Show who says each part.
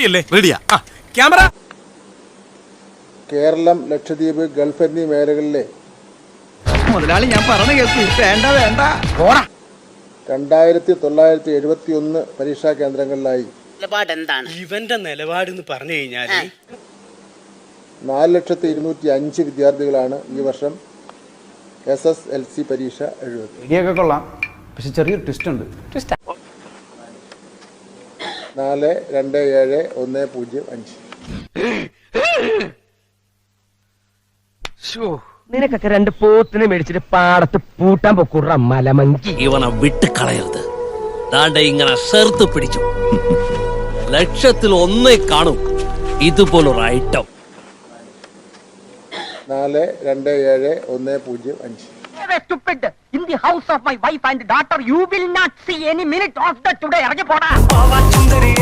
Speaker 1: റെഡിയല്ലേ?
Speaker 2: റെഡിയാ.
Speaker 1: Camera.
Speaker 3: Keralam, Lakshadweep, Gulf എന്നീ മേഖലകളിലെ
Speaker 4: മുതലാളി ഞാൻ പറഞ്ഞു കേൾക്കൂ. വേണ്ട വേണ്ട.
Speaker 3: 2971 പരീക്ഷാ കേന്ദ്രങ്ങളിലായി
Speaker 5: ഇവന്റെ നിലപാടെന്ന് പറഞ്ഞു കഴിഞ്ഞാല്
Speaker 3: 4,205,000 വിദ്യാർത്ഥികളാണ് ഈ വർഷം SSLC പരീക്ഷ എഴുതുന്നത്.
Speaker 4: ഇടിയൊക്കെ കൊള്ളാം, പക്ഷെ ചെറിയൊരു ട്വിസ്റ്റ് ഉണ്ട്.
Speaker 3: 4,2,7,1,0,5.
Speaker 6: നിനക്കൊക്കെ 2 പോത്തിനെ മേടിച്ചിട്ട് പാടത്ത് പൂട്ടാൻ പൊക്കൂറ മലമങ്കി.
Speaker 7: ഇവനെ വിട്ട് കളയരുത്. ദാണ്ടെ ഇങ്ങനെ ചേർത്ത് പിടിച്ചു. 1,00,000 കാണും ഇതുപോലൊരു item.
Speaker 3: 4,2,7,1,0,5.
Speaker 6: Stupid. In the house of my wife and daughter, you will not see any minute of the today. ഇറങ്ങി പോടാ.